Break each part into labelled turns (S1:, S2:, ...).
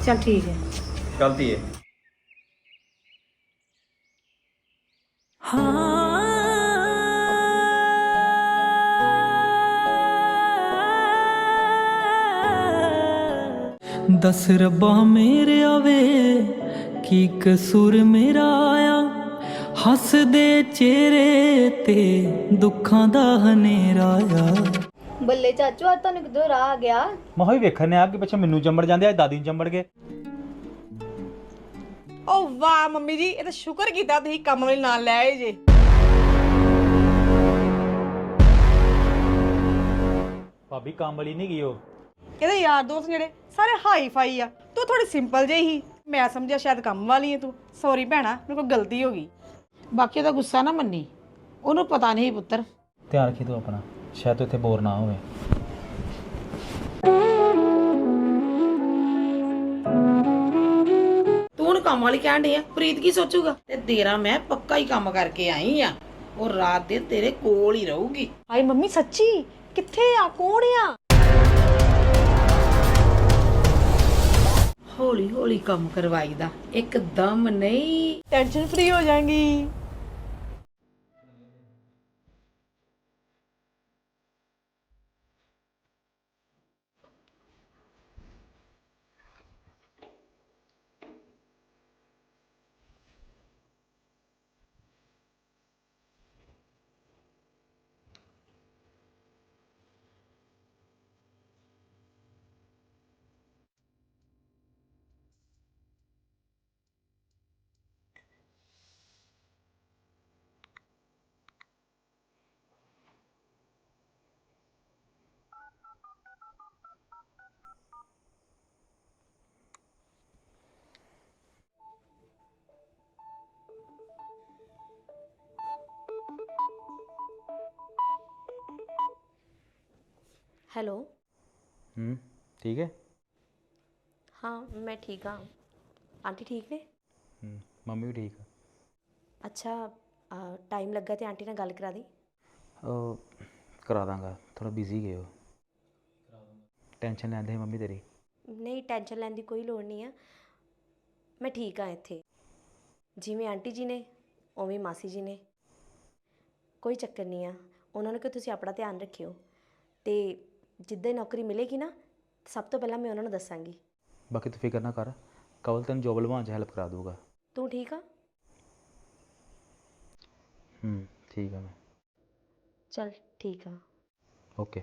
S1: चल ठीक है।
S2: चलती है।
S3: दस रब्बा मेरे आवे की कसूर मेरा आया हस दे चेहरे ते दुखां दा हनेरा आया।
S4: ਬੱਲੇ ਚਾਚੂ ਅੱਜ ਤੁਹਾਨੂੰ ਕਿੱਧਰੋਂ ਰਾਹ ਆ ਗਿਆ?
S2: ਮੈਂ ਹੋਈ ਵੇਖਣ ਨੇ ਆ ਕਿ ਪਿੱਛੇ ਮੈਨੂੰ ਚੰਬੜ ਜਾਂਦੇ ਅੱਜ ਦਾਦੀ ਨੂੰ ਚੰਬੜ ਗਏ।
S1: ਓ ਵਾਹ ਮੰਮੀ ਜੀ, ਇਹ ਤਾਂ ਸ਼ੁਕਰ ਕੀਤਾ ਤੁਸੀਂ ਕੰਮ ਵਾਲੀ ਨਾਲ ਲੈ ਆਏ ਜੇ।
S2: ਭਾਬੀ ਕੰਮ ਵਾਲੀ ਨਹੀਂ ਗਈ ਉਹ।
S1: ਇਹਦੇ ਯਾਰ ਦੋਸਤ ਜਿਹੜੇ ਸਾਰੇ ਹਾਈ ਫਾਈ ਆ, ਤੂੰ ਥੋੜੀ ਸਿੰਪਲ ਜਿਹੀ ਹੀ। ਮੈਂ ਸਮਝਿਆ ਸ਼ਾਇਦ ਕੰਮ ਵਾਲੀ ਹੈ ਤੂੰ। ਸੌਰੀ ਭੈਣਾ, ਮੇਰੇ ਕੋਲ ਗਲਤੀ ਹੋ ਗਈ।
S5: ਬਾਕੀ ਉਹਦਾ ਗੁੱਸਾ ਨਾ ਮੰਨੀ, ਉਹਨੂੰ ਪਤਾ ਨਹੀਂ ਪੁੱਤਰ।
S2: ਧਿਆਨ ਰੱਖੀ ਤੂੰ ਆਪਣਾ, ਸ਼ਾਇਦ ਇੱਥੇ ਬੋਰ ਨਾ ਹੋਵੇ।
S5: ਤੂੰ ਹੁਣ ਕੰਮ ਵਾਲੀ ਕਹਿਣ ਡਈ ਆ, ਪ੍ਰੀਤ ਕੀ ਸੋਚੂਗਾ? ਤੇ ਤੇਰਾ ਮੈਂ ਪੱਕਾ ਹੀ ਕੰਮ ਕਰਕੇ ਆਈ ਆ, ਉਹ ਰਾਤ ਦੇ ਤੇਰੇ ਕੋਲ ਹੀ ਰਹੂਗੀ।
S1: ਹਾਏ ਮੰਮੀ ਸੱਚੀ? ਕਿੱਥੇ ਆ? ਕੌਣ ਆ?
S5: ਹੌਲੀ ਹੌਲੀ ਕੰਮ ਕਰਵਾਈਦਾ, ਇੱਕਦਮ ਨਹੀਂ।
S1: ਟੈਨਸ਼ਨ ਫ੍ਰੀ ਹੋ ਜਾਏਗੀ।
S6: हेलो।
S2: ठीक है।
S6: हाँ मैं ठीक हाँ। आंटी ठीक ने?
S2: मम्मी भी ठीक है।
S6: अच्छा टाइम लगा तो आंटी ने गल करा दी?
S2: करा दांगा, थोड़ा बिजी गए हो। टेंशन लैंदे मम्मी तेरी?
S6: नहीं टेंशन लैन की कोई लोड़ नहीं है, मैं ठीक हाँ इत्थे। जिवें आंटी जी ने उवें मासी जी ने, कोई चक्कर नहीं है। उन्होंने कहा तुसीं अपना ध्यान रखियो, तो जिद्दां नौकरी मिलेगी ना सब तो पहला मैं उन्होंने दसांगी।
S2: बाकी तू फिक्र ना कर, कवल तेन जॉब लवान च हेल्प करा दूंगा।
S6: तू ठीक हाँ?
S2: ठीक है मैं।
S6: चल ठीक हाँ।
S2: ओके।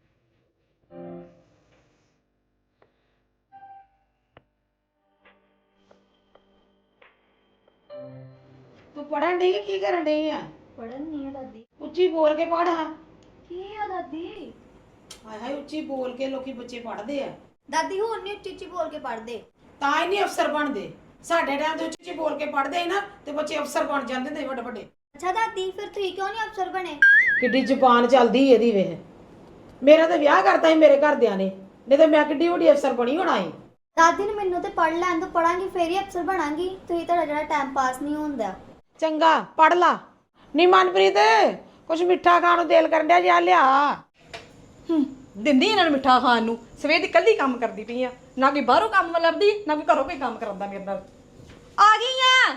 S5: ਤੂੰ ਪੜਨ ਡਈ ਕੀ ਕਰਨ ਡਈ ਆ?
S4: ਪੜਨ ਨਹੀਂ ਹੈ ਦਾਦੀ।
S5: ਉੱਚੀ ਬੋਲ ਕੇ ਪੜ। ਹਾਂ
S4: ਕੀ ਆ ਦਾਦੀ?
S5: ਹਾਏ ਹਾਏ, ਉੱਚੀ ਬੋਲ ਕੇ ਲੋਕੀ ਬੱਚੇ ਪੜਦੇ ਆ।
S4: ਦਾਦੀ ਹੁਣ ਨਹੀਂ ਉੱਚੀ ਉੱਚੀ ਬੋਲ ਕੇ ਪੜਦੇ।
S5: ਤਾਂ ਹੀ ਨਹੀਂ ਅਫਸਰ ਬਣਦੇ। ਸਾਡੇ ਟਾਈਮ ਤੇ ਉੱਚੀ ਉੱਚੀ ਬੋਲ ਕੇ ਪੜਦੇ ਸੀ ਨਾ ਤੇ ਬੱਚੇ ਅਫਸਰ ਬਣ ਜਾਂਦੇ ਨੇ ਵੱਡੇ ਵੱਡੇ।
S4: ਅੱਛਾ ਦਾਦੀ, ਫਿਰ ਤੁਸੀਂ ਕਿਉਂ ਨਹੀਂ ਅਫਸਰ ਬਣੇ?
S5: ਕਿੱਡੀ ਜ਼ੁਬਾਨ ਚੱਲਦੀ ਇਹਦੀ ਵੇਖ। ਮੇਰਾ ਤਾਂ ਵਿਆਹ ਕਰਤਾ ਸੀ ਮੇਰੇ ਘਰਦਿਆਂ ਨੇ, ਨਹੀਂ ਤਾਂ ਮੈਂ ਕਿੱਡੀ ਵੱਡੀ ਅਫਸਰ ਬਣੀ ਹੋਣਾ ਸੀ।
S4: ਦਾਦੀ ਨੇ ਮੈਨੂੰ ਤੇ ਪੜ ਲੈਣ ਤੋਂ, ਪੜਾਂਗੀ ਫੇਰ ਹੀ ਅਫਸਰ ਬਣਾਂਗੀ। ਤੁਸੀਂ ਤੁਹਾਡਾ ਜਿਹੜਾ ਟਾਈਮ ਪਾਸ ਨਹੀਂ ਹੁੰਦਾ।
S5: ਚੰਗਾ ਪੜ ਲਾ। ਨੀ ਮਨਪ੍ਰੀਤ, ਕੁਛ ਮਿੱਠਾ ਖਾਣ ਨੂੰ ਦਿਲ ਕਰਨ ਡਿਆ, ਜਾ ਲਿਆ।
S1: ਦਿੰਦੀ ਇਹਨਾਂ ਨੂੰ ਮਿੱਠਾ ਖਾਣ ਨੂੰ। ਸਵੇਰ ਦੀ ਕੱਲੀ ਕੰਮ ਕਰਦੀ ਪਈ ਆ, ਨਾ ਕੋਈ ਬਾਹਰੋਂ ਕੰਮ ਲੱਭਦੀ ਨਾ ਕੋਈ ਘਰੋਂ ਕੋਈ ਕੰਮ ਕਰਾਉਂਦਾ ਮੇਰੇ ਨਾਲ। ਆ ਗਈ ਆ।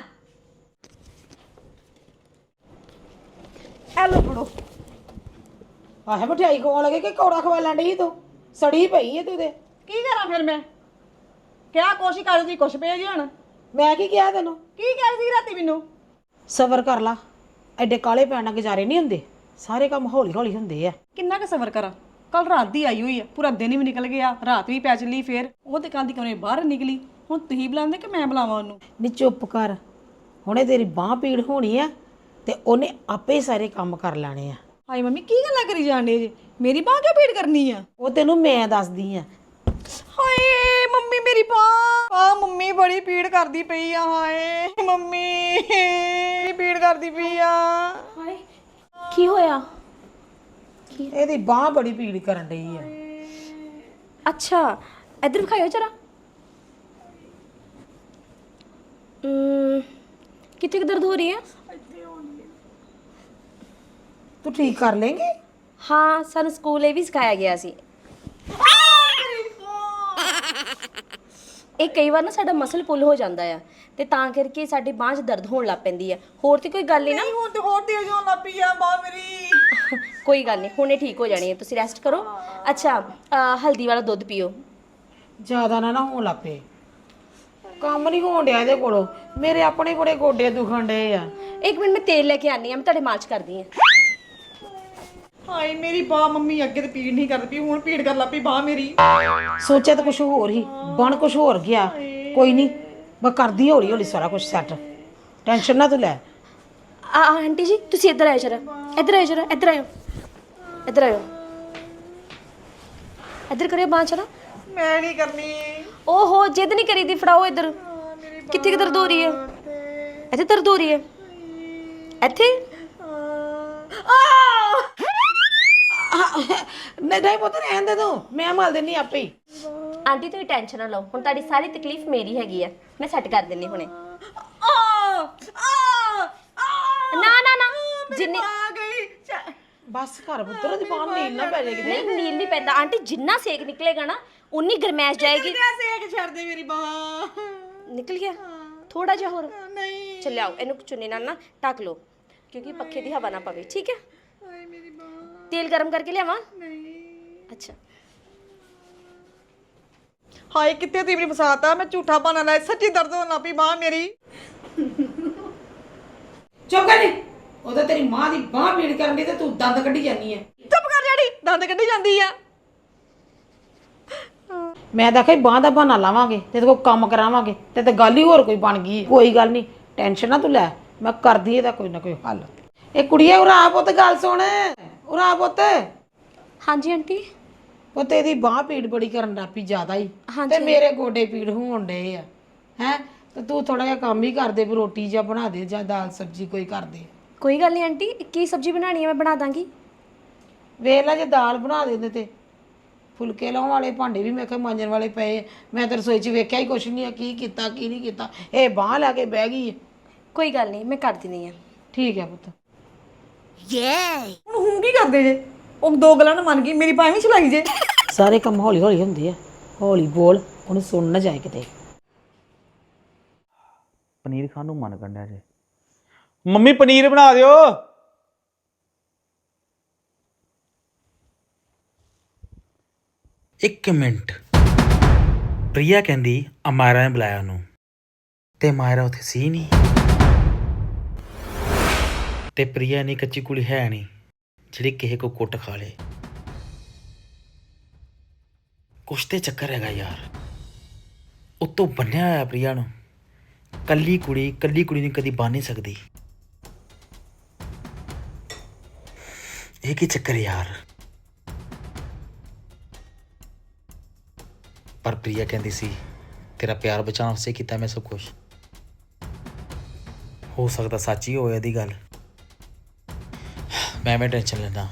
S1: ਐ ਲੋ ਫੜੋ।
S5: ਆਹੇ ਮਠਿਆਈ ਖਵਾਉਣ ਲੱਗੇ ਕਿ ਕੌੜਾ ਖਵਾ ਲੈਣ ਡਈ ਤੂੰ? ਸੜੀ ਪਈ ਏ ਤੂੰ ਤੇ।
S1: ਕੀ ਕਰਾਂ ਫਿਰ ਮੈਂ? ਕਿਆ ਕੋਸ਼ਿਸ਼ ਕਰਦੀ ਕੁਛ ਭੇਜ ਹੁਣ।
S5: ਮੈਂ ਕੀ ਕਿਹਾ ਤੈਨੂੰ?
S1: ਕੀ ਕਹਿ ਸੀ ਰਾਤੀ ਮੈਨੂੰ?
S5: ਸਬਰ ਕਰ ਲਾ, ਐਡੇ ਕਾਲੇ ਪੈਣ ਨਾਲ ਗੁਜ਼ਾਰੇ ਨਹੀਂ ਹੁੰਦੇ। ਸਾਰੇ ਕੰਮ ਹੌਲੀ ਹੌਲੀ ਹੁੰਦੇ ਆ।
S1: ਕਿੰਨਾ ਕੁ ਸਬਰ ਕਰਾਂ? ਕੱਲ ਰਾਤ ਦੀ ਆਈ ਹੋਈ ਆ, ਪੂਰਾ ਦਿਨ ਵੀ ਨਿਕਲ ਗਿਆ, ਰਾਤ ਵੀ ਪੈ ਚੱਲੀ। ਫੇਰ ਉਹ ਤੇ ਕੱਲ ਦੀ ਕਿਉਂ ਬਾਹਰ ਨਿਕਲੀ? ਹੁਣ ਤੁਸੀਂ ਬੁਲਾਉਂਦੇ ਕਿ ਮੈਂ ਬੁਲਾਵਾਂ ਉਹਨੂੰ?
S5: ਨੀ ਚੁੱਪ ਕਰ, ਹੁਣੇ ਤੇਰੀ ਬਾਂਹ ਪੀੜ ਹੋਣੀ ਆ ਤੇ ਉਹਨੇ ਆਪੇ ਹੀ ਸਾਰੇ ਕੰਮ ਕਰ ਲੈਣੇ ਆ।
S1: ਹਾਏ ਮੰਮੀ ਕੀ ਗੱਲਾਂ ਕਰੀ ਜਾਂਦੇ ਜੇ? ਮੇਰੀ ਬਾਂਹ ਕਿਉਂ ਪੀੜ ਕਰਨੀ ਆ?
S5: ਉਹ ਤੈਨੂੰ ਮੈਂ ਦੱਸਦੀ ਆ।
S1: ਹਾਏ ਮੰਮੀ ਮੇਰੀ ਬਾਂਹ ਆ, ਮੰਮੀ ਬੜੀ ਪੀੜ ਕਰਦੀ ਪਈ ਆ। ਹਾਏ ਮੰਮੀ ਪੀੜ ਕਰਦੀ ਪਈ ਆ।
S6: हाय की होया?
S5: ਇਹਦੀ ਬਾਂਹ ਬੜੀ ਪੀੜ ਕਰਨ ਡਈ ਆ।
S6: अच्छा इधर दिखाओ जरा। कितने दर्द हो रही है?
S5: ਤੂੰ ਠੀਕ ਕਰ ਲੇਂਗੇ?
S6: हाँ सानू स्कूल ये भी सिखाया गया सी। ਇਹ ਕਈ ਵਾਰ ਨਾ ਸਾਡਾ ਮਸਲ ਪੁੱਲ ਹੋ ਜਾਂਦਾ ਆ ਤੇ ਤਾਂ ਕਰਕੇ ਸਾਡੀ ਬਾਂਹ 'ਚ ਦਰਦ ਹੋਣ ਲੱਗ ਪੈਂਦੀ ਆ। ਹੋਰ ਤੇ ਕੋਈ ਗੱਲ ਨਹੀਂ ਨਾ।
S1: ਹੁਣ ਤੇ ਹੋਰ ਤੇਜ਼ ਹੋਣ ਲੱਗ ਪਈ ਆ ਬਾਂਹ ਮੇਰੀ।
S6: ਕੋਈ ਗੱਲ ਨਹੀਂ, ਹੁਣੇ ਠੀਕ ਹੋ ਜਾਣੀ ਹੈ, ਤੁਸੀਂ ਰੈਸਟ ਕਰੋ। ਅੱਛਾ ਹਲਦੀ ਵਾਲਾ ਦੁੱਧ ਪੀਓ।
S5: ਜ਼ਿਆਦਾ ਨਾ ਹੋਣ ਲੱਗ ਪਏ। ਕੰਮ ਨਹੀਂ ਹੋਣ ਡਿਆ ਇਹਦੇ ਕੋਲੋਂ। ਮੇਰੇ ਆਪਣੇ ਬੜੇ ਗੋਡੇ ਦੁਖਣ ਡਏ ਆ।
S6: ਇੱਕ ਮਿੰਟ ਮੈਂ ਤੇਲ ਲੈ ਕੇ ਆਨੀ ਆ, ਮੈਂ ਤੁਹਾਡੇ ਮਾਲਸ਼ ਕਰਦੀ ਆ।
S1: ਹਾਏ ਮੇਰੀ ਬਾਹ ਮੰਮੀ ਅੱਗੇ ਤੇ ਪੀੜ ਨਹੀਂ ਕਰਦੀ ਪਈ, ਹੁਣ ਪੀੜ ਕਰ ਲੱਗ ਪਈ ਬਾਹ ਮੇਰੀ।
S5: ਸੋਚਿਆ ਤਾਂ ਕੁਝ ਹੋਰ ਹੀ, ਬਣ ਕੁਝ ਹੋਰ ਗਿਆ। ਕੋਈ ਨਹੀਂ, ਮੈਂ ਕਰਦੀ ਹੌਲੀ ਹੌਲੀ ਸਾਰਾ ਕੁਝ ਸੈੱਟ। ਟੈਨਸ਼ਨ ਨਾ ਤੂੰ ਲੈ।
S6: ਆਂਟੀ ਜੀ ਤੁਸੀਂ ਇੱਧਰ ਆਇਓ ਜਰਾ, ਇੱਧਰ ਆਇਓ ਜਰਾ, ਇੱਧਰ ਆਇਓ, ਇੱਧਰ ਆਇਓ, ਇੱਧਰ ਕਰਿਓ ਬਾਂਹ ਜਰਾ।
S1: ਮੈਂ ਨਹੀਂ ਕਰਨੀ।
S6: ਓਹੋ ਜਿੱਦ ਨਹੀਂ ਕਰੀਦੀ, ਫੜਾਓ ਇੱਧਰ। ਕਿੱਥੇ ਦਰਦ ਹੋ ਰਹੀ ਹੈ? ਇੱਥੇ ਦਰਦ ਹੋ ਰਹੀ ਹੈ? ਇੱਥੇ?
S5: ਨਹੀਂ ਪੁੱਤ ਰਹਿਣ ਦੇ ਤੂੰ, ਮੈਂ ਮਲ ਦਿੰਨੀ ਆਪੇ ਹੀ।
S6: ਆਂਟੀ ਤੁਸੀਂ ਟੈਨਸ਼ਨ ਨਾ ਲਓ, ਹੁਣ ਤੁਹਾਡੀ ਸਾਰੀ ਤਕਲੀਫ ਮੇਰੀ ਹੈਗੀ ਆ, ਮੈਂ ਸੈੱਟ ਕਰ ਦਿੰਨੀ ਹੁਣੇ। ਨਾ ਨਾ ਨਾ ਜਿੰਨੀ
S1: ਆ ਗਈ।
S5: ਬਸ ਘਰ ਪੁੱਤਰ ਦੀ ਬਾਹਰ ਨੀਲ ਨਾ ਪੈ ਜਾਏ ਕਿਤੇ।
S6: ਨਹੀਂ ਨੀਲ ਨਹੀਂ ਪੈਂਦਾ ਆਂਟੀ, ਜਿੰਨਾ ਸੇਕ ਨਿਕਲੇਗਾ ਨਾ ਉਨੀ ਗਰਮੈਸ਼ ਜਾਏਗੀ।
S1: ਸੇਕ ਛੱਡ ਦੇ ਮੇਰੀ ਬਾਹ।
S6: ਨਿਕਲ ਗਿਆ ਥੋੜਾ ਜਿਹਾ ਹੋਰ।
S1: ਨਹੀਂ।
S6: ਚੱਲ ਆਓ, ਇਹਨੂੰ ਚੁੰਨੀ ਨਾਲ ਨਾ ਢੱਕ ਲਓ ਕਿਉਂਕਿ ਪੱਖੇ ਦੀ ਹਵਾ ਨਾ ਪਵੇ, ਠੀਕ ਹੈ?
S1: ਹਾਏ ਮੇਰੀ ਬਾਹ।
S6: ਤੇਲ ਗਰਮ ਕਰਕੇ ਲਿਆਵਾਂ?
S1: ਨਹੀਂ।
S6: ਅੱਛਾ
S1: ਹਾਏ ਕਿੱਥੇ ਤੀਵਰੀ ਫਸਾਤਾ, ਮੈਂ ਝੂਠਾ ਬਹਾਨਾ ਲਾਇਆ, ਸੱਚੀ ਦਰਦ ਹੋਣ ਲੱਗ ਪਈ ਬਾਹ ਮੇਰੀ।
S5: ਚੁੱਪ ਕਰ ਨੀ। ਉਹਦਾ ਤੇਰੀ ਮਾਂ ਦੀ ਬਾਹ ਪੀੜ ਕਰਨ ਦੀ ਤੇ ਤੂੰ ਦੰਦ ਕੱਢੀ ਜਾਨੀ ਹੈ।
S1: ਚੁੱਪ ਕਰ ਜਿਹੜੀ, ਦੰਦ ਕੱਢੀ ਜਾਂਦੀ ਆ।
S5: ਮੈਂ ਤਾਂ ਕਹੀ ਬਾਹ ਦਾ ਬਹਾਨਾ ਲਾਵਾਂਗੇ ਤੇ ਕੋਈ ਕੰਮ ਕਰਾਵਾਂਗੇ ਤੇ ਗੱਲ ਹੀ ਹੋਰ ਕੋਈ ਬਣ ਗਈ। ਕੋਈ ਗੱਲ ਨਹੀਂ, ਟੈਨਸ਼ਨ ਨਾ ਤੂੰ ਲੈ, ਮੈਂ ਕਰਦੀ ਇਹਦਾ ਕੋਈ ਨਾ ਕੋਈ ਹੱਲ। ਇਹ ਕੁੜੀਏ ਉਰਾ ਪੁੱਤ, ਗੱਲ ਸੁਣ। ਉਰਾ ਪੁੱਤ।
S6: ਹਾਂਜੀ ਆਂਟੀ।
S5: ਪੁੱਤ ਇਹਦੀ ਬਾਹ ਪੀੜ ਬੜੀ ਕਰਨ ਲੱਗ ਪਈ ਜ਼ਿਆਦਾ ਹੀ,
S6: ਹਾਂਜੀ।
S5: ਤੇ ਮੇਰੇ ਗੋਡੇ ਪੀੜ ਹੋਣ ਡਏ ਆ। ਹੈ ਤੇ ਤੂੰ ਥੋੜਾ ਜਿਹਾ ਕੰਮ ਹੀ ਕਰ ਦੇ, ਵੀ ਰੋਟੀ ਜਾਂ ਬਣਾ ਦੇ ਜਾਂ ਦਾਲ ਸਬਜ਼ੀ ਕੋਈ ਕਰ ਦੇ।
S6: ਕੋਈ ਗੱਲ ਨਹੀਂ ਆਂਟੀ, ਕੀ ਸਬਜ਼ੀ ਬਣਾਣੀ ਹੈ ਮੈਂ ਬਣਾ ਦਾਂਗੀ।
S5: ਵੇਖ ਲੈ ਜੇ ਦਾਲ ਬਣਾ ਦਿੰਦੇ ਤੇ ਫੁਲਕੇ ਲਾਉਣ ਵਾਲੇ ਭਾਂਡੇ ਵੀ ਮੈਂ ਕਿਹਾ ਮਾਂਜਣ ਵਾਲੇ ਪਏ। ਮੈਂ ਤਾਂ ਰਸੋਈ 'ਚ ਵੇਖਿਆ ਹੀ ਕੁਛ ਨਹੀਂ ਆ, ਕੀ ਕੀਤਾ ਕੀ ਨਹੀਂ ਕੀਤਾ। ਇਹ ਬਾਂਹ ਲੈ ਕੇ ਬਹਿ ਗਈ ਹੈ।
S6: ਕੋਈ ਗੱਲ ਨਹੀਂ, ਮੈਂ ਕਰ ਦਿੰਦੀ ਆ।
S5: ਠੀਕ ਹੈ ਪੁੱਤ।
S1: ਹੁਣ ਕੀ ਕਰਦੇ ਜੇ? ਉਹ ਦੋ ਗੱਲਾਂ ਨੂੰ ਮੰਨ ਗਈ, ਮੇਰੀ ਬਾਹ ਵੀ ਚਲਾਈ ਜੇ।
S5: ਸਾਰੇ ਕੰਮ ਹੌਲੀ ਹੌਲੀ ਹੁੰਦੇ ਆ, ਹੌਲੀ ਬੋਲ, ਉਹਨੂੰ ਸੁਣ ਨਾ ਜਾਏ ਕਿਤੇ।
S2: ਪਨੀਰ ਖਾਣ ਨੂੰ ਮਨ ਕੰਡਿਆ ਜੇ। ਮੰਮੀ ਪਨੀਰ ਬਣਾ ਦਿਓ। ਇੱਕ ਮਿੰਟ। ਪ੍ਰਿਆ ਕਹਿੰਦੀ ਅਮਾਇਰਾ ਨੇ ਬੁਲਾਇਆ ਉਹਨੂੰ, ਤੇ ਮਾਇਰਾ ਉੱਥੇ ਸੀ ਨਹੀਂ, ਤੇ ਪ੍ਰਿਆ ਨਹੀਂ ਕੱਚੀ ਕੁੜੀ ਹੈ ਨਹੀਂ ਜਿਹੜੀ ਕਿਸੇ ਕੋ ਕੁੱਟ ਖਾ ਲੇ। ਕੁਛ ਤੇ ਚੱਕਰ ਹੈਗਾ ਯਾਰ। ਉਤੋਂ ਬੰਨਿਆ ਹੋਇਆ ਪ੍ਰਿਆ ਨੂੰ। ਕੱਲੀ ਕੁੜੀ ਨੂੰ ਕਦੀ ਬੰਨ ਨਹੀਂ ਸਕਦੀ। ਇਹ ਕੀ ਚੱਕਰ ਯਾਰ? ਪਰ ਪ੍ਰਿਆ ਕਹਿੰਦੀ ਸੀ ਤੇਰਾ ਪਿਆਰ ਬਚਾਉਣ ਵਾਸਤੇ ਕੀਤਾ ਮੈਂ ਸਭ ਕੁਛ। ਹੋ ਸਕਦਾ ਸੱਚ ਹੀ ਹੋਵੇ ਇਹਦੀ ਗੱਲ। ਮੈਂ ਟੈਨਸ਼ਨ ਲੈਂਦਾ।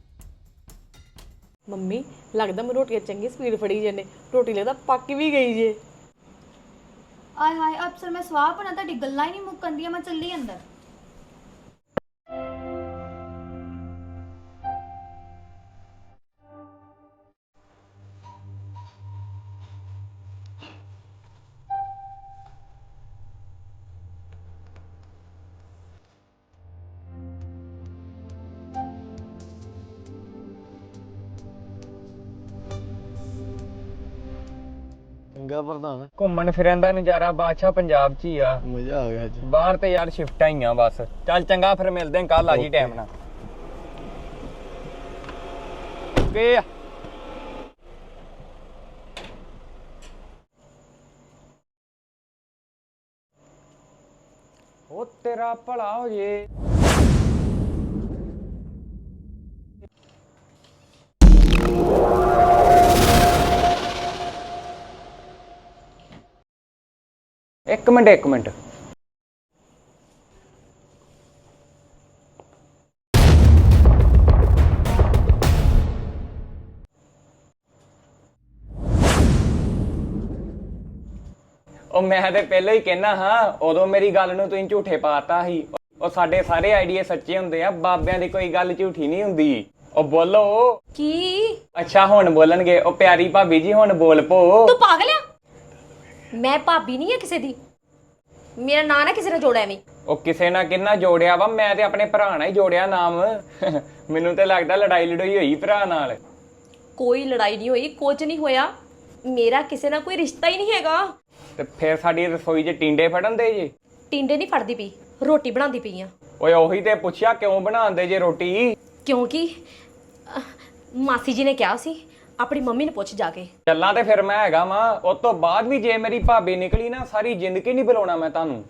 S1: ਮੰਮੀ ਲੱਗਦਾ ਮੈਂ ਰੋਟੀ ਚੰਗੀ ਸਪੀਡ ਫੜੀ ਜਨੇ, ਰੋਟੀ ਲੱਗਦਾ ਪੱਕ ਵੀ ਗਈ ਜੇ।
S4: ਆਏ ਹਾਏ ਅਫਸਰ, ਮੈਂ ਸਵਾਹ ਪਣਾ, ਤੁਹਾਡੀ ਗੱਲਾਂ ਹੀ ਨਹੀਂ ਮੁੱਕਣਦੀਆਂ। ਮੈਂ ਚੱਲੀ ਅੰਦਰ।
S7: ਚੰਗਾ ਪ੍ਰਧਾਨ,
S8: ਘੁੰਮਣ ਫਿਰਨ ਦਾ ਨਜ਼ਾਰਾ ਬਾਦਸ਼ਾਹ ਪੰਜਾਬ 'ਚ ਹੀ ਆ।
S7: ਮਜ਼ਾ ਆ ਗਿਆ ਅੱਜ।
S8: ਬਾਹਰ ਤੇ ਯਾਰ ਸ਼ਿਫਟਾਂ ਹੀ ਆ ਬਸ। ਚੱਲ ਚੰਗਾ, ਫਿਰ ਮਿਲਦੇ ਆਂ ਕੱਲ। ਆ ਜੀ ਟਾਈਮ ਨਾਲ। ਓਕੇ। ਉਹ ਤੇਰਾ ਭਲਾ ਹੋ ਜੇ। ਇੱਕ ਮਿੰਟ। ਉਹ ਮੈਂ ਤੇ ਪਹਿਲਾਂ ਹੀ ਕਹਿਣਾ ਹਾਂ, ਉਦੋਂ ਮੇਰੀ ਗੱਲ ਨੂੰ ਤੁਸੀਂ ਝੂਠੇ ਪਾਤਾ ਸੀ। ਉਹ ਸਾਡੇ ਸਾਰੇ ਆਈਡੀਏ ਸੱਚੇ ਹੁੰਦੇ ਆ, ਬਾਬਿਆਂ ਦੀ ਕੋਈ ਗੱਲ ਝੂਠੀ ਨਹੀਂ ਹੁੰਦੀ। ਉਹ ਬੋਲੋ।
S6: ਕੀ?
S8: ਅੱਛਾ ਹੁਣ ਬੋਲਣਗੇ। ਉਹ ਪਿਆਰੀ ਭਾਬੀ ਜੀ ਹੁਣ ਬੋਲ ਪੋ।
S6: ਤੂੰ ਪਾਗਲ ਆ? ਮੈਂ ਭਾਬੀ ਨਹੀਂ ਆ ਕਿਸੇ ਦੀ। ਮੇਰਾ ਨਾਂ ਨਾ ਕਿਸੇ ਨੇ ਜੋੜਿਆ ਐਵੇਂ।
S8: ਉਹ ਕਿਸੇ ਨਾਲ ਕਿੰਨਾ ਜੋੜਿਆ ਵਾ, ਮੈਂ ਤੇ ਆਪਣੇ ਭਰਾ ਨਾਲ ਹੀ ਜੋੜਿਆ ਨਾਮ। ਮੈਨੂੰ ਤੇ ਲੱਗਦਾ ਲੜਾਈ ਲੜੋਈ ਹੋਈ ਭਰਾ ਨਾਲ।
S6: ਕੋਈ ਲੜਾਈ ਨਹੀਂ ਹੋਈ, ਕੁਝ ਨਹੀਂ ਹੋਇਆ। ਮੇਰਾ ਕਿਸੇ ਨਾਲ ਕੋਈ ਰਿਸ਼ਤਾ ਹੀ ਨਹੀਂ ਹੈਗਾ।
S8: ਤੇ ਫਿਰ ਸਾਡੀ ਰਸੋਈ 'ਚ ਟਿੰਡੇ ਫੜਨ ਦੇ ਜੇ?
S6: ਟਿੰਡੇ ਨਹੀਂ ਫੜਦੀ ਪਈ, ਰੋਟੀ ਬਣਾਉਂਦੀ ਪਈ ਆ।
S8: ਓਏ ਉਹੀ ਤੇ ਪੁੱਛਿਆ ਕਿਉਂ ਬਣਾਉਂਦੇ ਜੇ ਰੋਟੀ?
S6: ਕਿਉਂਕਿ ਮਾਸੀ ਜੀ ਨੇ ਕਿਹਾ ਸੀ ਆਪਣੀ ਮੰਮੀ ਨੂੰ ਪੁੱਛ ਜਾ ਕੇ।
S8: ਚੱਲਾਂ ਤੇ ਫਿਰ ਮੈਂ ਹੈਗਾ ਵਾਂ। ਉਸ ਤੋਂ ਬਾਅਦ ਵੀ ਜੇ ਮੇਰੀ ਭਾਬੀ ਨਿਕਲੀ ਨਾ, ਸਾਰੀ ਜ਼ਿੰਦਗੀ ਨਹੀਂ ਬੁਲਾਉਣਾ ਮੈਂ ਤੁਹਾਨੂੰ।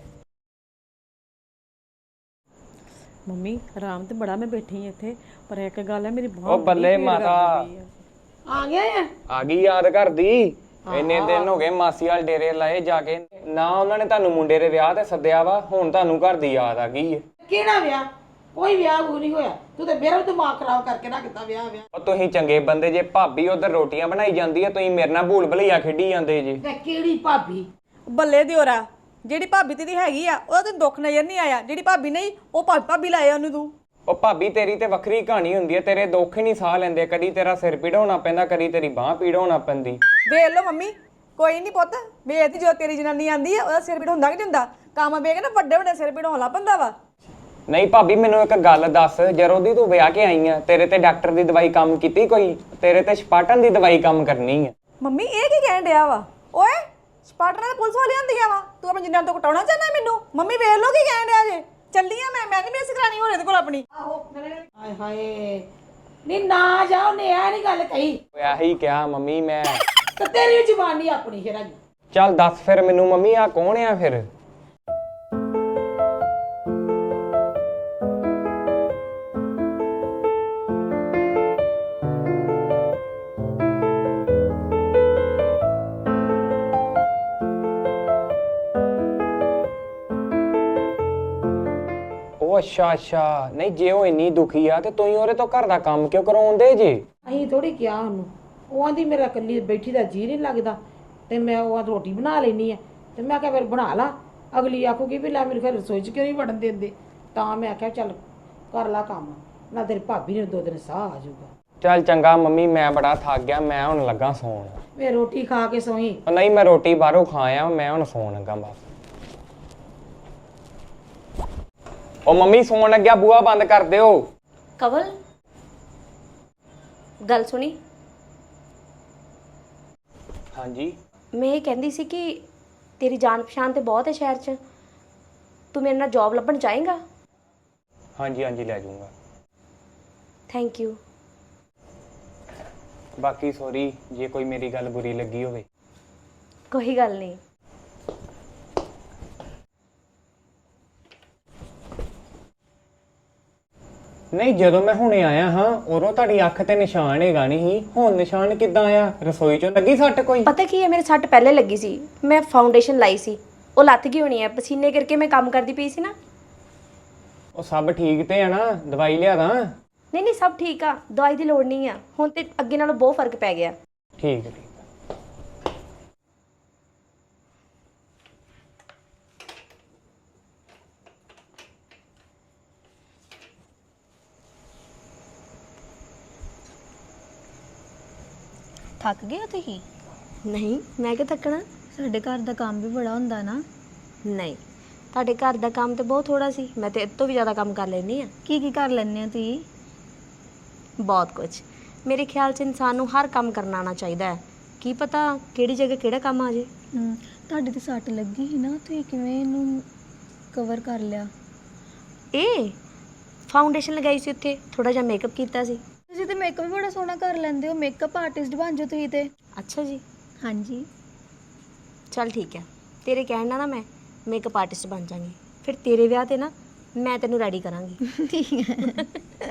S1: ਮੰਮੀ ਆਰਾਮ ਤੇ ਬੜਾ ਮੈਂ ਬੈਠੀ ਇੱਥੇ, ਪਰ ਇੱਕ ਗੱਲ ਹੈ ਮੇਰੀ
S8: ਉਹ ਬੱਲੇ ਮਾਤਾ
S5: ਆ ਗਿਆ ਆ
S8: ਆ ਗਈ ਯਾਦ ਕਰਦੀ। ਇੰਨੇ ਦਿਨ ਹੋ ਗਏ ਮਾਸੀ ਵਾਲ ਡੇਰੇ ਲਾਏ ਜਾ ਕੇ ਨਾ, ਉਹਨਾਂ ਨੇ ਤੁਹਾਨੂੰ ਮੁੰਡੇ ਦੇ ਵਿਆਹ ਤੇ ਸੱਦਿਆ ਵਾ, ਹੁਣ ਤੁਹਾਨੂੰ ਘਰ ਦੀ ਯਾਦ ਆ ਗਈ ਹੈ।
S5: ਕਿਹੜਾ ਵਿਆਹ? ਕੋਈ ਵਿਆਹ ਨਹੀਂ ਹੋਇਆ। ਤੂੰ ਤੇ ਮੇਰਾ ਦਿਮਾਗ ਖਰਾਬ ਕਰਕੇ ਰੱਖਦਾ ਵਿਆਹ।
S8: ਉਹ ਤੁਸੀਂ ਚੰਗੇ ਬੰਦੇ ਜੇ, ਭਾਬੀ ਉਧਰ ਰੋਟੀਆਂ ਬਣਾਈ ਜਾਂਦੀ ਹੈ, ਤੁਸੀਂ ਮੇਰੇ ਨਾਲ ਭੂਲ ਭੁਲਈਆ ਖੇਡੀ ਜਾਂਦੇ ਜੇ।
S5: ਤੇ ਕਿਹੜੀ ਭਾਬੀ?
S1: ਬੱਲੇ ਦਿਓਰਾ, ਜਿਹੜੀ ਭਾਬੀ ਤੇਰੀ ਹੈਗੀ ਆ ਉਹਦਾ ਤੈਨੂੰ ਦੁੱਖ ਨਜ਼ਰ ਨਹੀਂ ਆਇਆ, ਜਿਹੜੀ ਭਾਬੀ ਨਹੀਂ ਉਹ ਭਾਬੀ ਲਾਇਆ ਉਹਨੂੰ ਤੂੰ।
S8: ਉਹ ਭਾਬੀ ਤੇਰੀ ਤੇ ਵੱਖਰੀ ਕਹਾਣੀ ਹੁੰਦੀ ਹੈ, ਤੇਰੇ ਦੁੱਖ ਹੀ ਨਹੀਂ ਸਾਹ ਲੈਂਦੇ। ਕਦੀ ਤੇਰਾ ਸਿਰ ਪੀੜ ਹੋਣਾ ਪੈਂਦਾ, ਕਦੀ ਤੇਰੀ ਬਾਹ ਪੀੜ ਹੋਣਾ ਪੈਂਦੀ।
S1: ਵੇਖ ਲਓ ਮੰਮੀ, ਕੋਈ ਨਹੀਂ ਪੁੱਤ, ਵੇਖਦੀ ਜੋ ਤੇਰੀ ਜਨਾਨੀ ਆਂਦੀ ਆ ਉਹਦਾ ਸਿਰ ਪੀੜ ਹੁੰਦਾ ਕਿ ਨਹੀਂ ਹੁੰਦਾ। ਕੰਮ ਵੇਖ ਨਾ ਵੱਡੇ ਵੱਡੇ ਸਿਰ ਪੀੜ ਹੋਣ ਲੱਗ ਪੈਂਦਾ ਵਾ।
S8: ਨਹੀਂ ਭਾਬੀ ਮੈਨੂੰ ਇੱਕ ਗੱਲ ਦੱਸ, ਜਦੋਂ ਦੀ ਤੂੰ ਵਿਆਹ ਕੇ ਆਈ ਆ, ਤੇਰੇ ਤੇ ਡਾਕਟਰ ਦੀ ਦਵਾਈ ਕੰਮ ਕੀਤੀ ਕੋਈ? ਤੇਰੇ ਤੇ ਸਪਾਟਨ ਦੀ ਦਵਾਈ ਕੰਮ ਕਰਨੀ ਆ।
S1: ਮੰਮੀ ਇਹ ਕੀ ਕਹਿਣ ਡਿਆ ਵਾ? ਓਏ ਸਪਾਟਰਾਂ ਦੇ ਪੁਲਿਸ ਵਾਲੀਆਂ ਹੁੰਦੀਆਂ ਵਾ, ਤੂੰ ਆਪਣੀ ਜਨਾਨੀ ਤੋਂ ਕਟਾਉਣਾ ਚਾਹੁੰਦਾ ਮੈਨੂੰ? ਮੰਮੀ ਵੇਖ ਲਓ ਕੀ ਕਹਿਣ ਡਿਆ ਜੇ। ਚੱਲੀ ਆ ਮੈਂ ਨਹੀਂ ਮੇਸ ਕਰਾਣੀ ਹੋ ਇਹਦੇ ਕੋਲ ਆਪਣੀ।
S5: ਹਾਏ ਹਾਏ, ਨਹੀਂ ਨਾ ਜਾ, ਉਹਨੇ ਇਹ ਨਹੀਂ ਗੱਲ ਕਹੀ।
S8: ਇਹੀ ਕਿਹਾ ਮੰਮੀ ਮੈਂ।
S5: ਤੇ ਤੇਰੀ ਜ਼ੁਬਾਨੀ ਆਪਣੀ ਫਿਰ ਹੈਗੀ।
S8: ਚੱਲ ਦੱਸ ਫਿਰ ਮੈਨੂੰ ਮੰਮੀ, ਆ ਕੌਣ ਆ ਫਿਰ? ਅੱਛਾ ਨਹੀਂ, ਜੇ ਉਹ ਇੰਨੀ ਦੁਖੀ ਆ ਤੇ ਤੁਸੀਂ ਉਹਦੇ ਤੋਂ ਘਰ ਦਾ ਕੰਮ ਕਿਉਂ ਕਰਾਉਂਦੇ ਜੇ?
S5: ਅਸੀਂ ਥੋੜੀ ਕਿਹਾ ਉਹਨੂੰ, ਉਹ ਆਂਦੀ ਮੇਰਾ ਇਕੱਲੀ ਬੈਠੀ ਦਾ ਜੀ ਨਹੀਂ ਲੱਗਦਾ ਤੇ ਮੈਂ ਉਹ ਰੋਟੀ ਬਣਾ ਲੈਣੀ ਆ। ਤੇ ਮੈਂ ਕਿਹਾ ਫਿਰ ਬਣਾ ਲਾ। ਅਗਲੀ ਆਖੂਗੀ ਵੀ ਲੈ ਮੇਰੇ ਘਰ ਰਸੋਈ 'ਚ ਕਿਉਂ ਨਹੀਂ ਵੜਨ ਦਿੰਦੇ। ਤਾਂ ਮੈਂ ਆਖਿਆ ਚੱਲ ਕਰ ਲਾ ਕੰਮ, ਨਾ ਤੇਰੀ ਭਾਬੀ ਨੇ 2 ਦਿਨ ਸਾਹ ਆ ਜਾਊਗਾ।
S8: ਚੱਲ ਚੰਗਾ ਮੰਮੀ, ਮੈਂ ਬੜਾ ਥੱਕ ਗਿਆ, ਮੈਂ ਹੁਣ ਲੱਗਾ ਸੌਣ।
S5: ਵੇ ਰੋਟੀ ਖਾ ਕੇ ਸੋਈ।
S8: ਨਹੀਂ ਮੈਂ ਰੋਟੀ ਬਾਹਰੋਂ ਖਾ ਆਇਆ, ਮੈਂ ਹੁਣ ਸੌਣ ਲੱਗਾ ਬਸ। ਉਹ ਮੰਮੀ ਸੌਣ ਲੱਗਿਆ, ਬੂਹਾ ਬੰਦ ਕਰ ਦਿਓ।
S6: ਕਵਲ ਗੱਲ ਸੁਣੀ?
S8: ਹਾਂਜੀ
S6: ਮੈਂ ਇਹ ਕਹਿੰਦੀ ਸੀ ਕਿ ਤੇਰੀ ਜਾਣ ਪਛਾਣ ਤੇ ਬਹੁਤ ਹੈ ਸ਼ਹਿਰ 'ਚ, ਤੂੰ ਮੇਰੇ ਨਾਲ ਜੌਬ ਲੱਭਣ ਚਾਹੇਂਗਾ?
S8: ਹਾਂਜੀ ਹਾਂਜੀ ਲੈ ਜਾਊਂਗਾ।
S6: Thank you.
S8: ਬਾਕੀ ਸੌਰੀ ਜੇ ਕੋਈ ਮੇਰੀ ਗੱਲ ਬੁਰੀ ਲੱਗੀ ਹੋਵੇ।
S6: ਕੋਈ ਗੱਲ ਨਹੀਂ।
S8: ਨਹੀਂ ਜਦੋਂ ਮੈਂ ਹੁਣੇ ਆਇਆ ਹਾਂ ਉਦੋਂ ਤੁਹਾਡੀ ਅੱਖ ਤੇ ਨਿਸ਼ਾਨ ਹੈਗਾ ਨਹੀਂ, ਹੁਣ ਨਿਸ਼ਾਨ ਕਿੱਦਾਂ ਆਇਆ? ਰਸੋਈ 'ਚੋਂ ਲੱਗੀ ਸੱਟ ਕੋਈ?
S6: ਪਤਾ ਕੀ ਹੈ, ਮੇਰੇ ਸੱਟ ਪਹਿਲੇ ਲੱਗੀ ਸੀ, ਮੈਂ ਫਾਊਂਡੇਸ਼ਨ ਲਾਈ ਸੀ, ਉਹ ਲੱਥ ਗਈ ਹੋਣੀ ਹੈ ਪਸੀਨੇ ਕਰਕੇ। ਮੈਂ ਕੰਮ ਕਰਦੀ ਪਈ ਸੀ ਨਾ।
S8: ਉਹ ਸਭ ਠੀਕ ਤੇ ਆ ਨਾ? ਦਵਾਈ ਲਿਆ ਦਾਂ?
S6: ਨਹੀਂ ਸਭ ਠੀਕ ਆ, ਦਵਾਈ ਦੀ ਲੋੜ ਨਹੀਂ ਆ ਹੁਣ ਤੇ, ਅੱਗੇ ਨਾਲੋਂ ਬਹੁਤ ਫਰਕ ਪੈ ਗਿਆ।
S8: ਠੀਕ ਹੈ।
S4: ਥੱਕ ਗਏ ਹੋ ਤੁਸੀਂ?
S6: ਨਹੀਂ ਮੈਂ ਕਿ ਥੱਕਣਾ,
S4: ਸਾਡੇ ਘਰ ਦਾ ਕੰਮ ਵੀ ਬੜਾ ਹੁੰਦਾ ਨਾ।
S6: ਨਹੀਂ ਤੁਹਾਡੇ ਘਰ ਦਾ ਕੰਮ ਤੇ ਬਹੁਤ ਥੋੜਾ ਸੀ, ਮੈਂ ਤੇ ਇਹ ਤੋਂ ਵੀ ਜ਼ਿਆਦਾ ਕੰਮ ਕਰ ਲੈਂਦੀ ਆ।
S4: ਕੀ ਕਰ ਲੈਂਦੇ ਹੋ ਤੁਸੀਂ?
S6: ਬਹੁਤ ਕੁਝ। ਮੇਰੇ ਖਿਆਲ 'ਚ ਇਨਸਾਨ ਨੂੰ ਹਰ ਕੰਮ ਕਰਨਾ ਆਉਣਾ ਚਾਹੀਦਾ ਹੈ, ਕੀ ਪਤਾ ਕਿਹੜੀ ਜਗ੍ਹਾ ਕਿਹੜਾ ਕੰਮ ਆ ਜੇ।
S4: ਤੁਹਾਡੇ ਤੇ ਸੱਟ ਲੱਗੀ ਸੀ ਨਾ, ਤੁਸੀਂ ਕਿਵੇਂ ਇਹਨੂੰ ਕਵਰ ਕਰ ਲਿਆ?
S6: ਇਹ ਫਾਊਂਡੇਸ਼ਨ ਲਗਾਈ ਸੀ, ਉੱਥੇ ਥੋੜਾ ਜਿਹਾ ਮੇਕਅਪ ਕੀਤਾ ਸੀ।
S4: ਤੁਸੀਂ ਤੇ ਮੇਕਅਪ ਵੀ ਬੜਾ ਸੋਹਣਾ ਕਰ ਲੈਂਦੇ ਹੋ, ਮੇਕਅਪ ਆਰਟਿਸਟ ਬਣ ਜਾਓ ਤੁਸੀਂ ਤੇ।
S6: ਅੱਛਾ ਜੀ।
S4: ਹਾਂਜੀ
S6: ਚੱਲ ਠੀਕ ਹੈ, ਤੇਰੇ ਕਹਿਣ ਨਾਲ ਨਾ ਮੈਂ ਮੇਕਅਪ ਆਰਟਿਸਟ ਬਣ ਜਾਵਾਂਗੀ, ਫਿਰ ਤੇਰੇ ਵਿਆਹ ਤੇ ਨਾ ਮੈਂ ਤੈਨੂੰ ਰੈਡੀ ਕਰਾਂਗੀ।
S4: ਠੀਕ ਹੈ।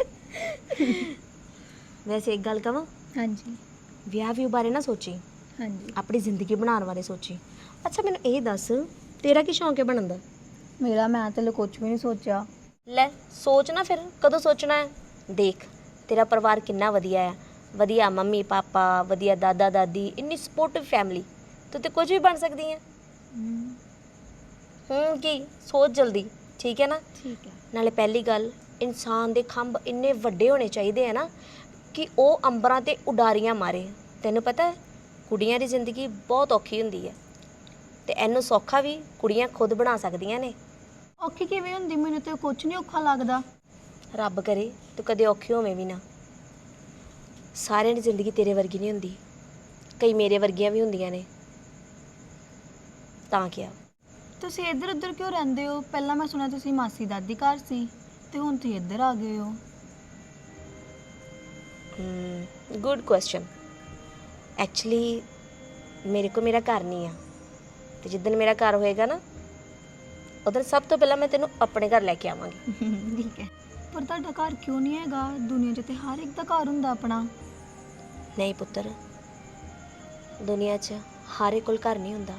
S6: ਵੈਸੇ ਇੱਕ ਗੱਲ ਕਹਾਂ,
S4: ਹਾਂਜੀ
S6: ਵਿਆਹ ਵੀ ਬਾਰੇ ਨਾ ਸੋਚੀ,
S4: ਹਾਂਜੀ
S6: ਆਪਣੀ ਜ਼ਿੰਦਗੀ ਬਣਾਉਣ ਬਾਰੇ ਸੋਚੀ। ਅੱਛਾ ਮੈਨੂੰ ਇਹ ਦੱਸ, ਤੇਰਾ ਕੀ ਸ਼ੌਂਕ ਹੈ ਬਣਨ ਦਾ?
S4: ਮੇਰਾ ਮੈਂ ਤੇ ਕੁਝ ਵੀ ਨਹੀਂ ਸੋਚਿਆ।
S6: ਲੈ ਸੋਚ ਨਾ, ਫਿਰ ਕਦੋਂ ਸੋਚਣਾ ਹੈ? ਦੇਖ ਤੇਰਾ ਪਰਿਵਾਰ ਕਿੰਨਾ ਵਧੀਆ ਹੈ, ਵਧੀਆ ਮੰਮੀ ਪਾਪਾ, ਵਧੀਆ ਦਾਦਾ ਦਾਦੀ, ਇੰਨੀ ਸਪੋਰਟਿਵ ਫੈਮਿਲੀ, ਤੂੰ ਤੇ ਕੁਝ ਵੀ ਬਣ ਸਕਦੀ ਹੈ। ਕੀ ਸੋਚ ਜਲਦੀ, ਠੀਕ ਹੈ ਨਾ?
S4: ਠੀਕ ਹੈ।
S6: ਨਾਲੇ ਪਹਿਲੀ ਗੱਲ, ਇਨਸਾਨ ਦੇ ਖੰਭ ਇੰਨੇ ਵੱਡੇ ਹੋਣੇ ਚਾਹੀਦੇ ਆ ਨਾ ਕਿ ਉਹ ਅੰਬਰਾਂ ਤੇ ਉਡਾਰੀਆਂ ਮਾਰੇ। ਤੈਨੂੰ ਪਤਾ ਹੈ ਕੁੜੀਆਂ ਦੀ ਜ਼ਿੰਦਗੀ ਬਹੁਤ ਔਖੀ ਹੁੰਦੀ ਹੈ, ਤੇ ਇਹਨੂੰ ਸੌਖਾ ਵੀ ਕੁੜੀਆਂ ਖੁਦ ਬਣਾ ਸਕਦੀਆਂ ਨੇ।
S4: ਔਖੀ ਕਿਵੇਂ ਹੁੰਦੀ? ਮੈਨੂੰ ਤੇ ਕੁਝ ਨਹੀਂ ਔਖਾ ਲੱਗਦਾ।
S6: ਰੱਬ ਕਰੇ ਤੂੰ ਕਦੇ ਔਖੀ ਹੋਵੇਂ ਵੀ ਨਾ। ਸਾਰਿਆਂ ਦੀ ਜ਼ਿੰਦਗੀ ਤੇਰੇ ਵਰਗੀ ਨਹੀਂ ਹੁੰਦੀ, ਕਈ ਮੇਰੇ ਵਰਗੀਆਂ ਵੀ ਹੁੰਦੀਆਂ ਨੇ। ਤਾਂ ਕਿਹਾ
S4: ਤੁਸੀਂ ਇੱਧਰ ਉੱਧਰ ਕਿਉਂ ਰਹਿੰਦੇ ਹੋ? ਪਹਿਲਾਂ ਮੈਂ ਸੁਣਿਆ ਤੁਸੀਂ ਮਾਸੀ ਦਾਦੀ ਘਰ ਸੀ ਤੇ ਹੁਣ ਤੁਸੀਂ ਇੱਧਰ ਆ ਗਏ ਹੋ।
S6: Good question. ਐਕਚੁਅਲੀ ਮੇਰੇ ਕੋ ਮੇਰਾ ਘਰ ਨਹੀਂ ਆ, ਤੇ ਜਿੱਦਣ ਮੇਰਾ ਘਰ ਹੋਏਗਾ ਨਾ ਉਦੋਂ ਸਭ ਤੋਂ ਪਹਿਲਾਂ ਮੈਂ ਤੈਨੂੰ ਆਪਣੇ ਘਰ ਲੈ ਕੇ ਆਵਾਂਗੀ।
S4: ਠੀਕ ਹੈ, ਪਰ ਤੁਹਾਡਾ ਘਰ ਕਿਉਂ ਨਹੀਂ ਹੈਗਾ? ਦੁਨੀਆ 'ਚ ਤੇ ਹਰ ਇੱਕ ਦਾ ਘਰ ਹੁੰਦਾ ਆਪਣਾ।
S6: ਨਹੀਂ ਪੁੱਤਰ, ਦੁਨੀਆ 'ਚ ਹਰ ਇੱਕ ਕੋਲ ਘਰ ਨਹੀਂ ਹੁੰਦਾ।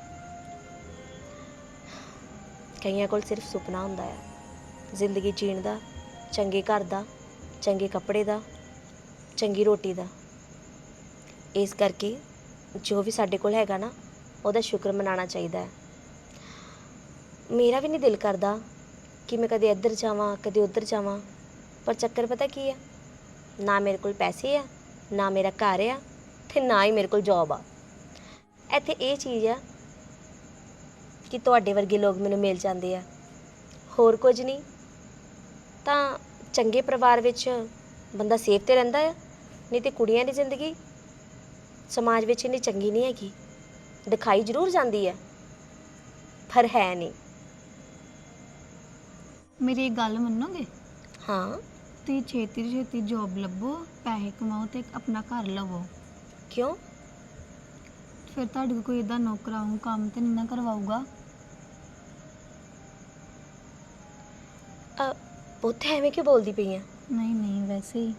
S6: ਕਈਆਂ ਕੋਲ ਸਿਰਫ ਸੁਪਨਾ ਹੁੰਦਾ ਹੈ ਜ਼ਿੰਦਗੀ ਜੀਣ ਦਾ, ਚੰਗੇ ਘਰ ਦਾ, ਚੰਗੇ ਕੱਪੜੇ ਦਾ, ਚੰਗੀ ਰੋਟੀ ਦਾ। ਇਸ ਕਰਕੇ ਜੋ ਵੀ ਸਾਡੇ ਕੋਲ ਹੈਗਾ ਨਾ ਉਹਦਾ ਸ਼ੁਕਰ ਮਨਾਉਣਾ ਚਾਹੀਦਾ ਹੈ। ਮੇਰਾ ਵੀ ਨਹੀਂ ਦਿਲ ਕਰਦਾ ਕਿ ਮੈਂ ਕਦੇ ਇੱਧਰ ਜਾਵਾਂ ਕਦੇ ਉੱਧਰ ਜਾਵਾਂ, ਪਰ ਚੱਕਰ ਪਤਾ ਕੀ ਹੈ, ਨਾ ਮੇਰੇ ਕੋਲ ਪੈਸੇ ਆ, ਨਾ ਮੇਰਾ ਘਰ ਆ, ਤੇ ਨਾ ਹੀ ਮੇਰੇ ਕੋਲ ਜੌਬ ਆ। ਇੱਥੇ ਇਹ ਚੀਜ਼ ਆ ਕਿ ਤੁਹਾਡੇ ਵਰਗੇ ਲੋਕ ਮੈਨੂੰ ਮਿਲ ਜਾਂਦੇ ਆ, ਹੋਰ ਕੁਝ ਨਹੀਂ। ਤਾਂ ਚੰਗੇ ਪਰਿਵਾਰ ਵਿੱਚ ਬੰਦਾ ਸੇਫ ਤੇ ਰਹਿੰਦਾ ਆ, ਨਹੀਂ ਤੇ ਕੁੜੀਆਂ ਦੀ ਜ਼ਿੰਦਗੀ ਸਮਾਜ ਵਿੱਚ ਇੰਨੀ ਚੰਗੀ ਨਹੀਂ ਹੈਗੀ। ਦਿਖਾਈ ਜ਼ਰੂਰ ਜਾਂਦੀ ਹੈ ਪਰ ਹੈ ਨਹੀਂ।
S4: ਮੇਰੀ ਇੱਕ ਗੱਲ ਮੰਨੋਗੇ?
S6: ਹਾਂ।
S4: ਤੁਸੀਂ ਛੇਤੀ ਤੋਂ ਛੇਤੀ ਜੌਬ ਲੱਭੋ, ਪੈਸੇ ਕਮਾਓ ਤੇ ਇੱਕ ਆਪਣਾ ਘਰ ਲਵੋ।
S6: ਕਿਉਂ?
S4: ਫਿਰ ਤੁਹਾਡੇ ਕੋਲ ਕੋਈ ਇਦਾਂ ਨੌਕਰਾਉਂ ਕੰਮ ਤੇ ਨਹੀਂ ਨਾ ਕਰਵਾਊਗਾ।
S6: ਪੁੱਤ ਐਵੇਂ ਕਿਉਂ ਬੋਲਦੀ ਪਈ ਆ?
S4: ਨਹੀਂ ਨਹੀਂ, ਵੈਸੇ ਹੀ।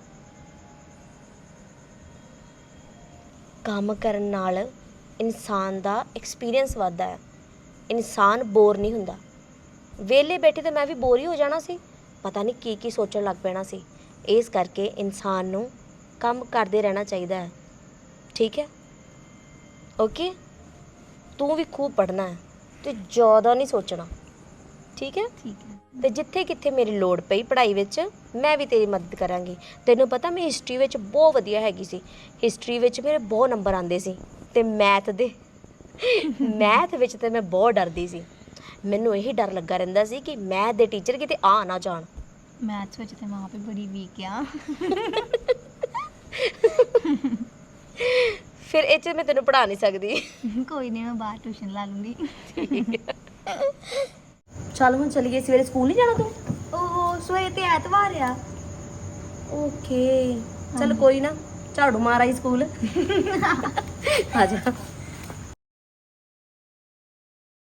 S6: ਕੰਮ ਕਰਨ ਨਾਲ ਇਨਸਾਨ ਦਾ ਐਕਸਪੀਰੀਅੰਸ ਵੱਧਦਾ ਹੈ, ਇਨਸਾਨ ਬੋਰ ਨਹੀਂ ਹੁੰਦਾ। ਵਿਹਲੇ ਬੈਠੇ ਤਾਂ ਮੈਂ ਵੀ ਬੋਰ ਹੀ ਹੋ ਜਾਣਾ ਸੀ, ਪਤਾ ਨਹੀਂ ਕੀ ਸੋਚਣ ਲੱਗ ਪੈਣਾ ਸੀ। ਇਸ ਕਰਕੇ ਇਨਸਾਨ ਨੂੰ ਕੰਮ ਕਰਦੇ ਰਹਿਣਾ ਚਾਹੀਦਾ ਹੈ। ਠੀਕ ਹੈ? ਓਕੇ, ਤੂੰ ਵੀ ਖੂਬ ਪੜ੍ਹਨਾ ਹੈ ਤੇ ਜ਼ਿਆਦਾ ਨਹੀਂ ਸੋਚਣਾ। ਠੀਕ ਹੈ?
S4: ਠੀਕ ਹੈ।
S6: ਤੇ ਜਿੱਥੇ ਕਿੱਥੇ ਮੇਰੀ ਲੋੜ ਪਈ ਪੜ੍ਹਾਈ ਵਿੱਚ ਮੈਂ ਵੀ ਤੇਰੀ ਮਦਦ ਕਰਾਂਗੀ। ਤੈਨੂੰ ਪਤਾ ਮੈਂ ਹਿਸਟਰੀ ਵਿੱਚ ਬਹੁਤ ਵਧੀਆ ਹੈਗੀ ਸੀ, ਹਿਸਟਰੀ ਵਿੱਚ ਮੇਰੇ ਬਹੁਤ ਨੰਬਰ ਆਉਂਦੇ ਸੀ, ਤੇ ਮੈਥ ਵਿੱਚ ਤੇ ਮੈਂ ਬਹੁਤ ਡਰਦੀ ਸੀ। ਮੈਨੂੰ ਇਹੀ ਡਰ ਲੱਗਾ ਰਹਿੰਦਾ ਸੀ ਕਿ ਮੈਥ ਦੇ ਟੀਚਰ ਕਿਤੇ ਆ ਨਾ ਜਾਣ।
S4: ਮੈਥਸ ਵਿੱਚ ਤੇ ਮਾਂ ਵੀ ਬੜੀ ਵੀਕ ਆ।
S6: ਫਿਰ ਇਹ 'ਚ ਮੈਂ ਤੈਨੂੰ ਪੜ੍ਹਾ ਨਹੀਂ ਸਕਦੀ।
S4: ਕੋਈ ਨਹੀਂ, ਮੈਂ ਬਾਹਰ ਟਿਊਸ਼ਨ ਲਾ ਲੂੰਗੀ।
S6: ਚੱਲ ਹੁਣ ਚੱਲੀਏ, ਸਵੇਰੇ ਸਕੂਲ ਨਹੀਂ ਜਾਣਾ ਤੂੰ?
S4: ਓਹੋ, ਸਵੇਰੇ ਤੇ ਐਤਵਾਰ ਆ।
S6: ਓਕੇ, ਚੱਲ ਕੋਈ ਨਾ, ਝਾੜੂ ਮਾਰ ਆਈ ਸਕੂਲ। ਆ ਜਾ।